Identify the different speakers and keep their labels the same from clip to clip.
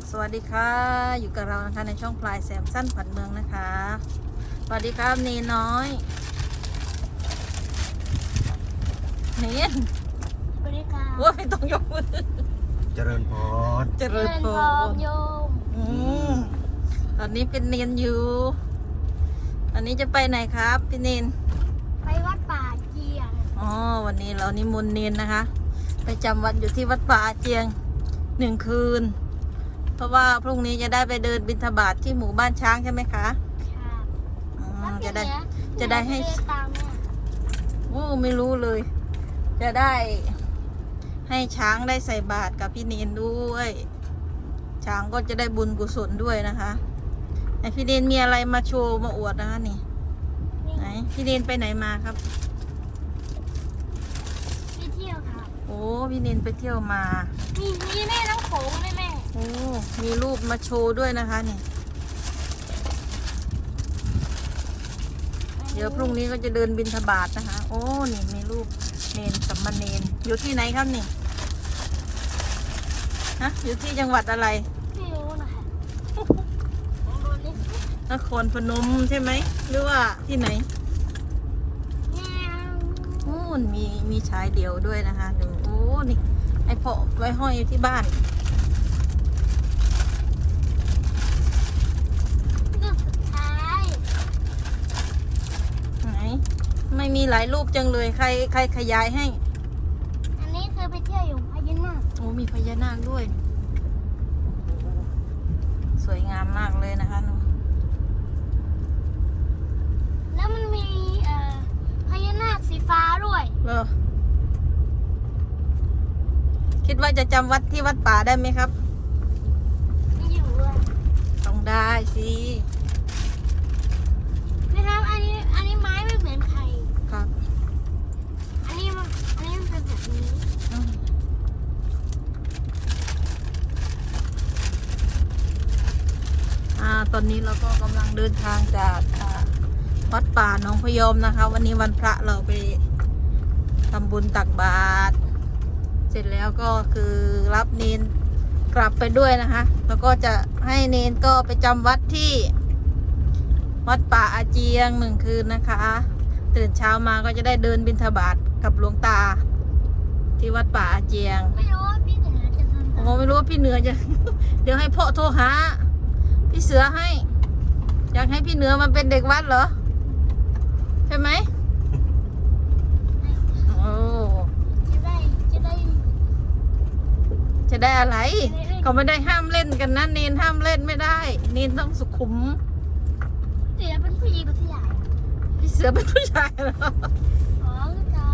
Speaker 1: สวัสดีค่ะอยู่กับเรานะคะในช่องพลายแซมสั้นผันเมืองนะคะสวัสดีครับเนน้อยเนน
Speaker 2: สวัสดีค่ะ
Speaker 1: ว่าไม่ต้องยกมือ
Speaker 3: เจริญพร
Speaker 1: เจริญพร
Speaker 2: โยม
Speaker 1: ตอนนี้เป็นเนนอยู่อันนี้จะไปไหนครับพี่เนน
Speaker 2: ไปวัดป่าเจียง
Speaker 1: อ๋อวันนี้เรานิมนต์เนนนะคะไปจำวัดอยู่ที่วัดป่าเจียง1 คืนเพราะว่าพรุ่งนี้จะได้ไปเดินบิณฑบาตที่หมู่บ้านช้างใช่ไหมคะ
Speaker 2: ค่ะ
Speaker 1: อ๋อ
Speaker 2: แล้ว
Speaker 1: จะได้
Speaker 2: พี่
Speaker 1: จะได้ให้
Speaker 2: เดินตามเนี่ย
Speaker 1: โอ้ไม่รู้เลย จะได้ให้ช้างได้ใส่บาตรกับพี่เนนด้วย ช้างก็จะได้บุญกุศลด้วยนะคะไอพี่เนนมีอะไรมาโชว์มาอวดนะคะนี่ไหนพี่เนนไปไหนมาครับ
Speaker 2: ไปเที่ยวค่ะ
Speaker 1: โอ้พี่เนนไปเที่ยวมา
Speaker 2: มีแม่น้ำโขงด้วยแม่
Speaker 1: โอ้มีรูปมาโชว์ด้วยนะคะนี่เดี๋ยวพรุ่งนี้ก็จะเดินบิณฑบาตนะคะ โอ้นี่มีรูปเนนสัมมาเนนอยู่ที่ไหนครับนี่ฮะอยู่ที่จังหวัดอะไร
Speaker 2: ไม่รู้นะคะลองดูนี่สิ
Speaker 1: นครพนมใช่ไหมหรือว่าที่ไหน
Speaker 2: แง่
Speaker 1: โอ้มีชายเดียวด้วยนะคะดูโอ้นี่ไอพอไว้ห้อยอยู่ที่บ้าน
Speaker 2: รูปสุดท้าย
Speaker 1: ไหนไม่มีหลายรูปจังเลยใครขยายให้
Speaker 2: อันนี้คือไปเที่ยวอยู่พญานาค
Speaker 1: โอ้มีพญานาคด้วย สวยงามมากเลยนะคะหนู
Speaker 2: แล้วมันมีพญานาคสีฟ้าด้วย
Speaker 1: เหรอคิดว่าจะจำวัดที่วัดป่าได้ไหมครับ
Speaker 2: มีอยู่ด้วย
Speaker 1: ต้องได้สิ
Speaker 2: นะครับอันนี้ไม้ไม่เหมือนใคร
Speaker 1: ครับ
Speaker 2: อันนี้มันเป็นแบบนี้
Speaker 1: อืมตอนนี้เราก็กำลังเดินทางจากวัดป่าหนองพยอมนะคะ วันนี้วันพระเราไปทำบุญตักบาตรเสร็จแล้วก็คือรับเนนกลับไปด้วยนะคะ แล้วก็จะให้เนนก็ไปจำวัดที่วัดป่าอาเจียง1 คืนนะคะ ตื่นเช้ามาก็จะได้เดินบิณฑบาตกับหลวงตา ที่วัดป่าอาเจียง
Speaker 2: ไม่รู้ว่าพี่เหนือจะทำ
Speaker 1: โอ้ไม่รู้ว่าพี่เหนือจะ เดี๋ยวให้พ่อโทรหาพี่เสือให้ อยากให้พี่เหนือมาเป็นเด็กวัดเหรอ ใช่ไหมโอ้
Speaker 2: จะได้
Speaker 1: จะได้อะไรเขาไม่ได้ห้ามเล่นกันนะเนนห้ามเล่นไม่ได้ เนนต้องสุขุม
Speaker 2: เดี๋ยวเป็นผู้หญิงกับผู้ใหญ่
Speaker 1: พี่เสือเป็นผู้ชายเหรอ
Speaker 2: อ๋อคือการ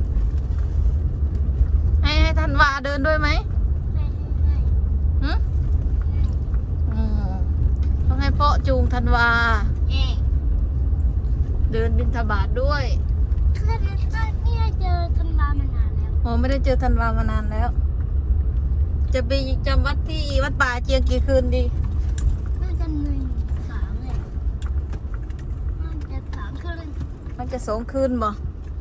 Speaker 1: ให้ธันวาเดินด้วยไหม
Speaker 2: ให้
Speaker 1: หืมอืมต้องให้พ่อจูงธันวา
Speaker 2: เอ๊ะ
Speaker 1: เดินบิณฑบาตด้วย
Speaker 2: คือเนี่ยเจอธันวามานานแล้ว
Speaker 1: โอ้ไม่ได้เจอธันวามานานแล้ว จะไปจำวัดที่วัดป่าเจียงกี่คืนดี
Speaker 2: น่าจะ1-3เลยน่าจะ3คืน
Speaker 1: มันจะ2 คืนบ่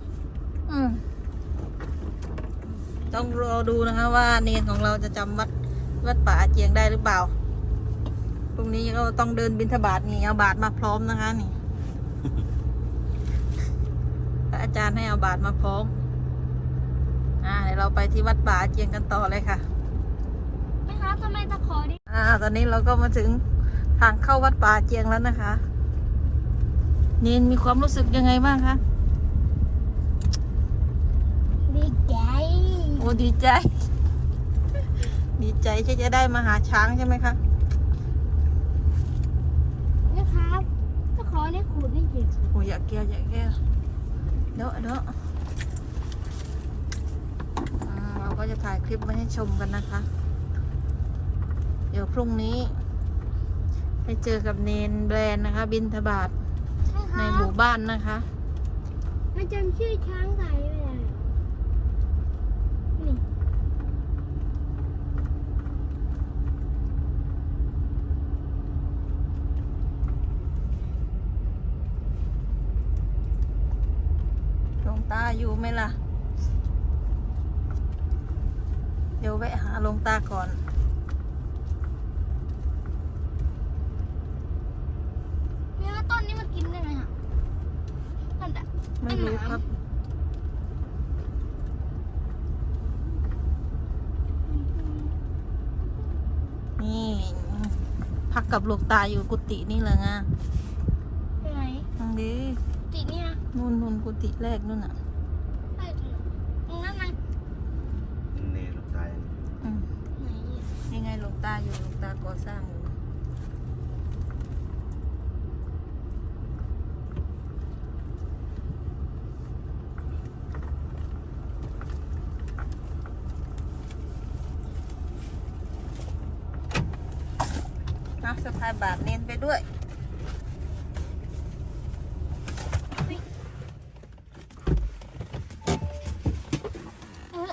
Speaker 1: ต้องรอดูนะคะว่าเนนของเราจะจำวัดป่าเจียงได้หรือเปล่า พรุ่งนี้ก็ต้องเดินบิณฑบาตนี่เอาบาตรมาพร้อมนะคะนี่ พระอาจารย์ให้เอาบาตรมาพร้อมเดี๋ยวเราไปที่วัดป่าเจียงกันต่อเลยค่ะ
Speaker 2: ไม่ครับทำไมตะขอดิ
Speaker 1: ตอนนี้เราก็มาถึงทางเข้าวัดป่าเจียงแล้วนะคะ เนนมีความรู้สึกยังไงบ้างคะ
Speaker 2: ดีใจ
Speaker 1: โอ้ดีใจ ดีใจที่จะได้มาหาช้างใช่ไหมคะ
Speaker 2: นะครับตะขอเนี่ยขูดไม่เจ็บ
Speaker 1: โอ้อยากแก้วเดี๋ยวเราก็จะถ่ายคลิปมาให้ชมกันนะคะ เดี๋ยวพรุ่งนี้ไปเจอกับเนนแบรนด์นะคะ บิณฑบาต
Speaker 2: ใช่ค
Speaker 1: ใน
Speaker 2: รับ
Speaker 1: หมู่บ้านนะคะ
Speaker 2: มันจำชื่อช้างไทยไม่ได้นี่
Speaker 1: หลวงตาอยู่ไหมล่ะ เดี๋ยวแวะหาหลวงตาก่อนไม่รู้ครับ นี่พักกับหลวงตาอยู่กุฏินี่แหละไง
Speaker 2: ไปไหน
Speaker 1: ทางนี้
Speaker 2: ติเนี่ย
Speaker 1: นู่นกุฏิแรกนู่นอ่ะ
Speaker 2: ไปตรงนั้นไหม
Speaker 3: นี่ลูกตาย
Speaker 1: อืม
Speaker 2: ไหน
Speaker 1: ยังไงหลวงตาอยู่หลวงตาก่อสร้างอยู่นะสะพายบาทเน้นไปด้วย
Speaker 2: เออ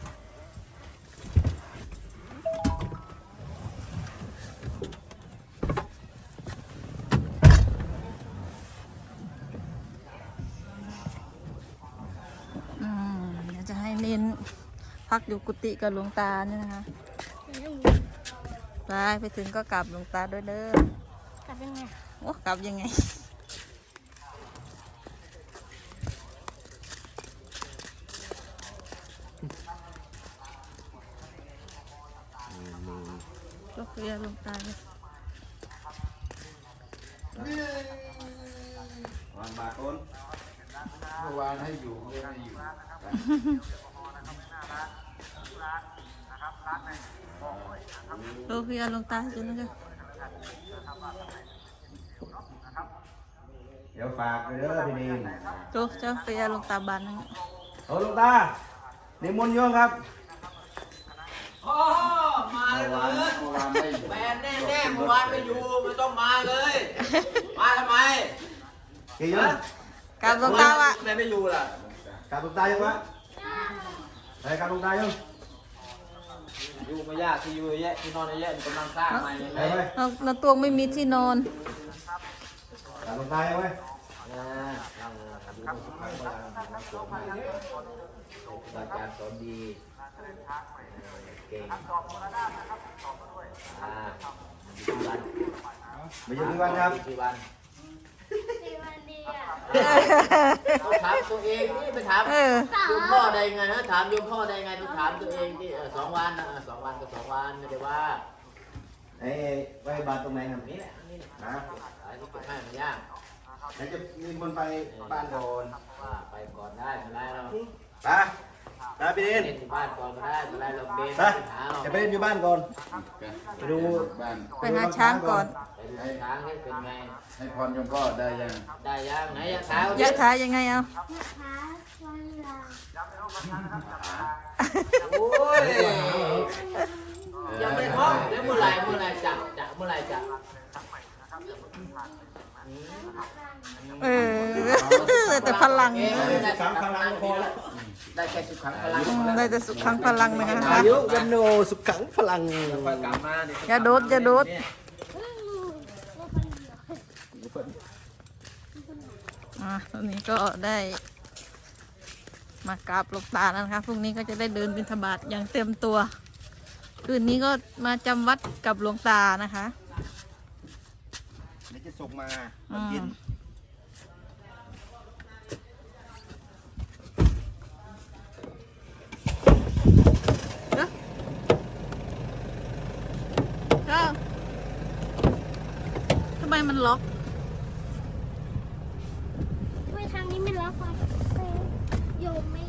Speaker 1: เดี๋ยวจะให้เน้นพักอยู่กุฏิกับหลวงตาเนี่ยนะคะไปถึงก็กลับหลวงตาด้วยเด้อก
Speaker 2: ลับยังไง
Speaker 1: โอ้กลับยังไง ก็เรียกหลวงตาเลย
Speaker 3: วางบาทต้น
Speaker 4: เมื่อวานให้อยู่ไม่ให้อยู่
Speaker 1: โลเพียหลวงตาจุนนะคะ
Speaker 3: เดี๋ยวฝากเลยเด้อพี่นิน
Speaker 1: โลเจ้าเพียหลวงตาบานนั่น
Speaker 3: โอ้ลูกตานิมนต์โยมครับ
Speaker 4: เมื่อวานไม่อยู่
Speaker 5: แฟนแน่ๆเมื่อวานไม่อยู่ไม่ต้องมาเลย มาทำไม
Speaker 3: กี่โยม
Speaker 1: กลับหลวงตาว่ะ
Speaker 5: ทำไมไม่อยู่ล่ะ
Speaker 3: กราบลูกตายังวะไปกราบลูกตายัง
Speaker 5: อยู่ไม่ยากที่อยู่เยอะที่นอนเยอะกำลังสร้างใหม่
Speaker 3: ไป
Speaker 5: เลย
Speaker 3: ไป
Speaker 1: เราตัวไม่มีที่นอน
Speaker 3: กราบลูกตายังไง
Speaker 5: อาจารย์สอนดีเก่ง
Speaker 3: มาอยู่ที่บ้านครับ
Speaker 5: กี่วัน
Speaker 2: สี่วันดีอ่ะ
Speaker 5: ถามตัวเองนี่ไปถาม
Speaker 1: เออ
Speaker 5: โยมพ่อได้ไงนะถามโยมพ่อได้ไงต้องถามตัวเองที่2 วันนะ2 วันก็2 วันไม่ได้ว่า
Speaker 3: ไอ้ไว้บาทตรงไหนครับ
Speaker 5: นี่แหละนี่แหละ
Speaker 3: นะ
Speaker 5: อันนี้เก็บให้มันยาก
Speaker 3: ไหนจะนิมนต์ไปบ้านก่อน
Speaker 5: ว่าไปก่อนได้ไม่ได้เรา
Speaker 3: ไปไปพี่นิน
Speaker 5: เล่นที่บ้านก่อนก็ได้ไม่ได้เราเบน
Speaker 3: ไป
Speaker 5: หาเรา
Speaker 3: จะไปเล่นอยู่บ้านก่อนไปดู
Speaker 4: บ้าน
Speaker 1: ไปหาช้างก่อน
Speaker 5: ไปดูช้างให้เป็นไง
Speaker 4: ให้พรโยมพ่อได้ยัง
Speaker 5: ได้ยังไหนยะเท้าย
Speaker 1: ะถายังไงเอา
Speaker 2: นะคะวันลา
Speaker 5: โอ้ยยังไม่พร้อมแล้วเมื่อไหร่จะเมื่อไหร่จะ
Speaker 1: เออแต่พลัง
Speaker 5: ได้
Speaker 3: สามครั้งก็พอแล้ว
Speaker 5: ได้แค่สุดขังพลัง
Speaker 1: ได้แต่สุขขังพลังนะคะ
Speaker 3: อายุวันโนสุขขังพลัง
Speaker 5: ค่อยกลับมาเดี๋ยว
Speaker 1: อย่าโดดอย่าโดด ตอนนี้ก็ได้มากราบหลวงตาแล้วนะคะพรุ่งนี้ก็จะได้เดินบิณฑบาตอย่างเต็มตัว คืนนี้ก็มาจำวัดกับหลวงตานะคะ
Speaker 3: เดี๋ยวจะส่งมาตอนเย็น
Speaker 1: ทำไมมันล็อก
Speaker 2: ไม่ทางนี้ไม่รับอ่ะโยมแม่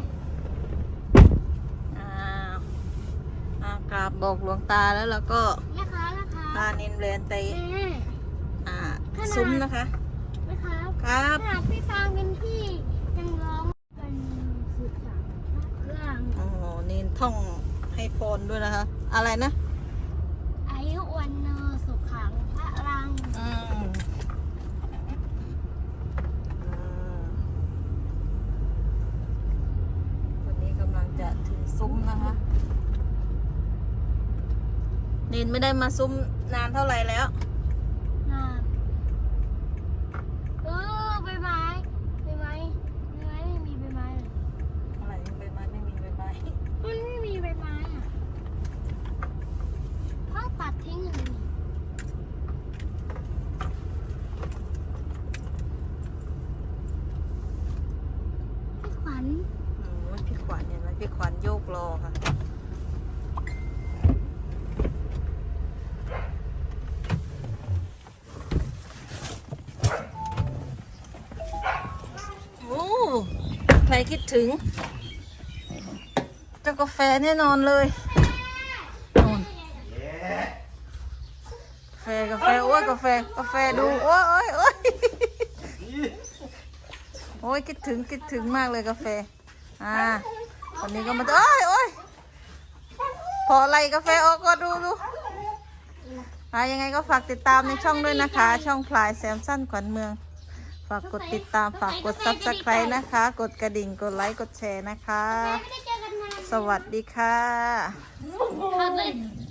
Speaker 1: กราบบอกหลวงตาแล้วเราก็
Speaker 2: แม่ค้านะคะ
Speaker 1: พานินเรนไป
Speaker 2: แม่
Speaker 1: ซุ้มนะคะ
Speaker 2: แม่ค้า
Speaker 1: ครับ
Speaker 2: ขนาดพี่ฟางเป็นพี่ยังร้องกันสุดสังเรื่อง
Speaker 1: โอ้โหนินท่องให้พรด้วยนะคะ อะไรนะ
Speaker 2: อายุวันเนอสุขขังพระรัง
Speaker 1: อืมวันนี้กำลังจะถึงซุ้มนะคะนินไม่ได้มาซุ้มนานเท่าไหร่แล้ว
Speaker 2: งามใบไม้ไม่มีใบไม้เลย
Speaker 1: อะไรใบไม้ไม่มีใบไม้
Speaker 2: มันไม่มีใบไม้อ่ะพ่อตัดทิ้งเลยนี่
Speaker 1: รอค่ะโอ้ใครคิดถึงเจ้ากาแฟแน่นอนเลยนู่นกาแฟโอ้ยกาแฟดูโอ้ยโอ้ยโอ้ยคิดถึงมากเลยกาแฟวันนี้ก็มาโอ้ยพอไล่กาแฟออกก็ดูยังไงก็ฝากติดตามในช่องด้วยนะคะ ช่องพลายแซมสั้นขวัญเมืองฝากกดติดตามฝากกดซับสไครต์นะคะ กดกระดิ่งกดไลค์กดแชร์นะคะ
Speaker 2: ไม่ได้เจอกันนาน
Speaker 1: สวัสดีค่ะ
Speaker 2: ครับเลย